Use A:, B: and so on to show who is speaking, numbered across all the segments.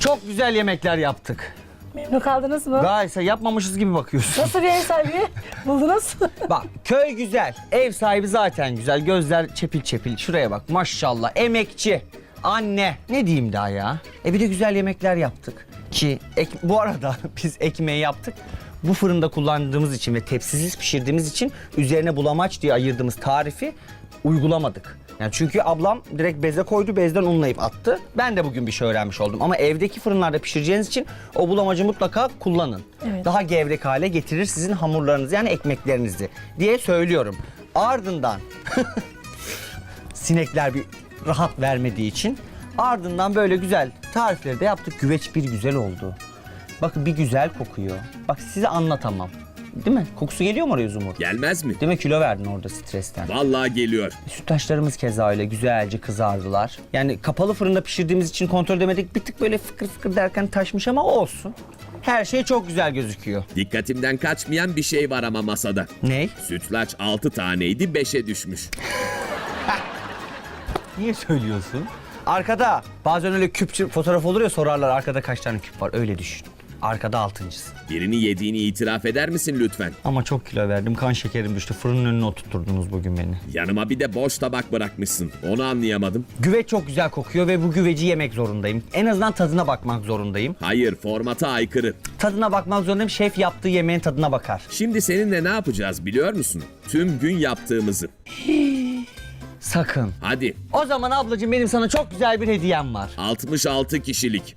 A: Çok güzel yemekler yaptık.
B: Memnun kaldınız mı?
A: Gayet yapmamışız gibi bakıyorsun.
B: Nasıl bir ev sahibi buldunuz?
A: Bak köy güzel. Ev sahibi zaten güzel. Gözler çepil çepil. Şuraya bak maşallah. Emekçi. Anne. Ne diyeyim daha ya? Bir de güzel yemekler yaptık. Ki bu arada biz ekmeği yaptık. Bu fırında kullandığımız için ve tepsisiz pişirdiğimiz için üzerine bulamaç diye ayırdığımız tarifi uygulamadık. Yani çünkü ablam direkt beze koydu, bezden unlayıp attı. Ben de bugün bir şey öğrenmiş oldum. Ama evdeki fırınlarda pişireceğiniz için o bulamacı mutlaka kullanın.
B: Evet.
A: Daha gevrek hale getirir sizin hamurlarınızı yani ekmeklerinizi diye söylüyorum. Ardından sinekler bir rahat vermediği için ardından böyle güzel tarifleri de yaptık. Güveç bir güzel oldu. Bakın bir güzel kokuyor. Bak size anlatamam. Değil mi? Kokusu geliyor mu oraya Zumur?
C: Gelmez mi?
A: Değil mi? Kilo verdin orada stresten.
C: Vallahi geliyor.
A: Sütlaçlarımız keza öyle güzelce kızardılar. Yani kapalı fırında pişirdiğimiz için kontrol edemedik. Bir tık böyle fıkır fıkır derken taşmış ama olsun. Her şey çok güzel gözüküyor.
C: Dikkatimden kaçmayan bir şey var ama masada.
A: Ney?
C: Sütlaç 6 taneydi 5'e düşmüş.
A: Niye söylüyorsun? Arkada bazen öyle küp fotoğraf olur ya sorarlar arkada kaç tane küp var öyle düşün. Arkada altıncısı.
C: Birini yediğini itiraf eder misin lütfen?
A: Ama çok kilo verdim kan şekerim düştü fırının önüne oturtturdunuz bugün beni.
C: Yanıma bir de boş tabak bırakmışsın. Onu anlayamadım.
A: Güveç çok güzel kokuyor ve bu güveci yemek zorundayım. En azından tadına bakmak zorundayım.
C: Hayır, formata aykırı.
A: Tadına bakmak zorundayım. Şef yaptığı yemeğin tadına bakar.
C: Şimdi seninle ne yapacağız biliyor musun? Tüm gün yaptığımızı.
A: Sakın.
C: Hadi.
A: O zaman ablacığım benim sana çok güzel bir hediyem var.
C: 66 kişilik.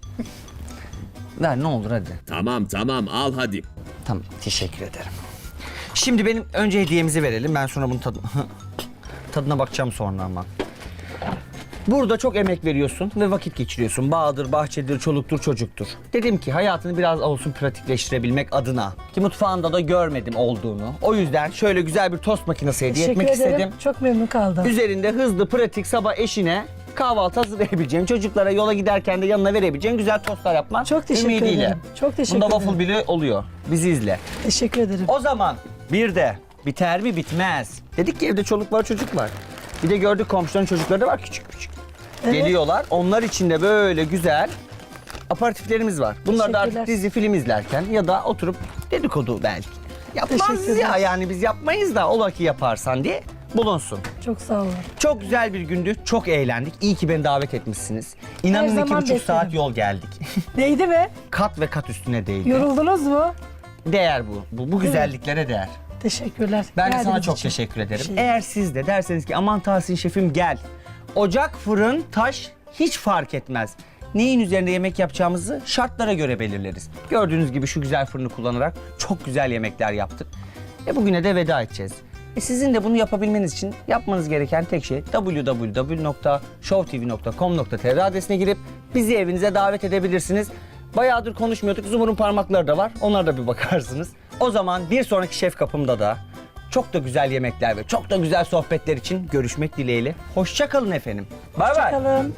A: Ver ne olur hadi.
C: Tamam al hadi.
A: Tamam teşekkür ederim. Şimdi benim önce hediyemizi verelim. Ben sonra bunun tadına bakacağım sonra ama. Burada çok emek veriyorsun ve vakit geçiriyorsun. Bağdır, bahçedir, çoluktur, çocuktur. Dedim ki hayatını biraz olsun pratikleştirebilmek adına. Ki mutfağında da görmedim olduğunu. O yüzden şöyle güzel bir tost makinesi hediye
B: Teşekkür
A: etmek
B: ederim.
A: istedim.
B: Çok memnun kaldım.
A: Üzerinde hızlı, pratik, sabah eşine kahvaltı hazırlayabileceğin, çocuklara yola giderken de yanına verebileceğin güzel tostlar yapman
B: Çok teşekkür
A: ümidiyle.
B: ederim. Çok teşekkür
A: Bunda
B: ederim.
A: waffle bile oluyor. Bizi izle.
B: Teşekkür ederim.
A: O zaman bir de biter mi bitmez. Dedik ki evde çoluk var çocuk var. Bir de gördük komşuların çocukları da var küçük küçük.
B: Evet.
A: Geliyorlar. Onlar için de böyle güzel aparatiflerimiz var. Bunlar da artık
B: Teşekkürler.
A: dizi film izlerken ya da oturup dedikodu belki. Yapmaz
B: Teşekkürler.
A: ya yani biz yapmayız da ola ki yaparsan diye bulunsun.
B: Çok sağ olun.
A: Çok güzel bir gündü. Çok eğlendik. İyi ki beni davet etmişsiniz. İnanın
B: zaman
A: 2,5 saat
B: beklerim.
A: yol geldik.
B: Değdi mi?
A: Kat ve kat üstüne değdi.
B: Yoruldunuz mu?
A: Değer bu. Bu güzelliklere değer.
B: Teşekkürler.
A: Ben de sana
B: Geldiğiniz
A: çok
B: için.
A: teşekkür ederim.
B: Şey-
A: Eğer siz de derseniz ki aman Tahsin şefim gel. Ocak, fırın, taş hiç fark etmez. Neyin üzerinde yemek yapacağımızı şartlara göre belirleriz. Gördüğünüz gibi şu güzel fırını kullanarak çok güzel yemekler yaptık. Bugüne de veda edeceğiz. Sizin de bunu yapabilmeniz için yapmanız gereken tek şey www.showtv.com.tr adresine girip bizi evinize davet edebilirsiniz. Bayağıdır konuşmuyorduk. Zumur'un parmakları da var. Onlara da bir bakarsınız. O zaman bir sonraki şef kapımda da çok da güzel yemekler ve çok da güzel sohbetler için görüşmek dileğiyle. Hoşça kalın efendim. Bay bay.
B: Bakalım.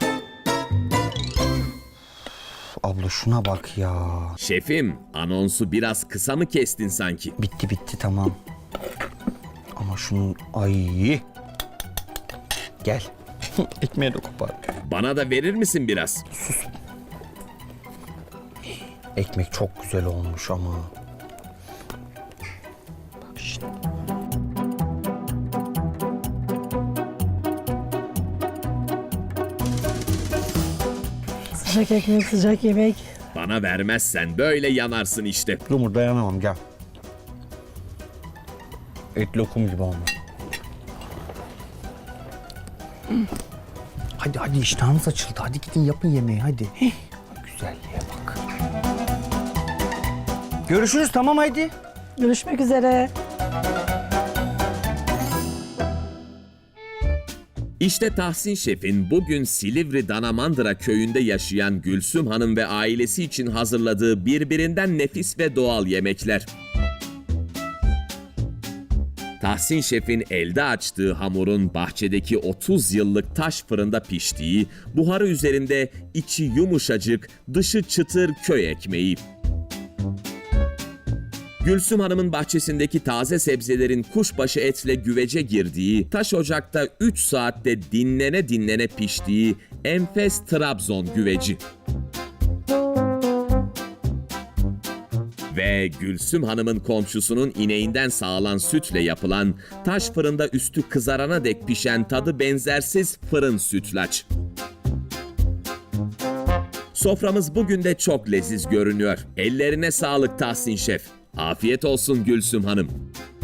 A: Abla şuna bak ya.
C: Şefim, anonsu biraz kısa mı kestin sanki?
A: Bitti tamam. Ama şunun ay. Gel. Ekmeği de kopar.
C: Bana da verir misin biraz?
A: Ekmek çok güzel olmuş ama. Bak şimdi.
B: Sıcak ekmek, sıcak yemek.
C: Bana vermezsen böyle yanarsın işte.
A: Lumur dayanamam gel. Et lokum gibi olmuş. Hadi iştahınız açıldı. Hadi gidin yapın yemeği hadi. Güzelliğe bak. Görüşürüz tamam haydi.
B: Görüşmek üzere.
C: İşte Tahsin Şef'in bugün Silivri Danamandıra köyünde yaşayan Gülsüm Hanım ve ailesi için hazırladığı birbirinden nefis ve doğal yemekler. Tahsin Şef'in elde açtığı hamurun bahçedeki 30 yıllık taş fırında piştiği, buharı üzerinde içi yumuşacık, dışı çıtır köy ekmeği. Gülsüm Hanım'ın bahçesindeki taze sebzelerin kuşbaşı etle güvece girdiği, taş ocakta 3 saatte dinlene dinlene piştiği enfes Trabzon güveci. Ve Gülsüm Hanım'ın komşusunun ineğinden sağılan sütle yapılan, taş fırında üstü kızarana dek pişen tadı benzersiz fırın sütlaç. Soframız bugün de çok leziz görünüyor. Ellerine sağlık Tahsin Şef. Afiyet olsun Gülsüm Hanım.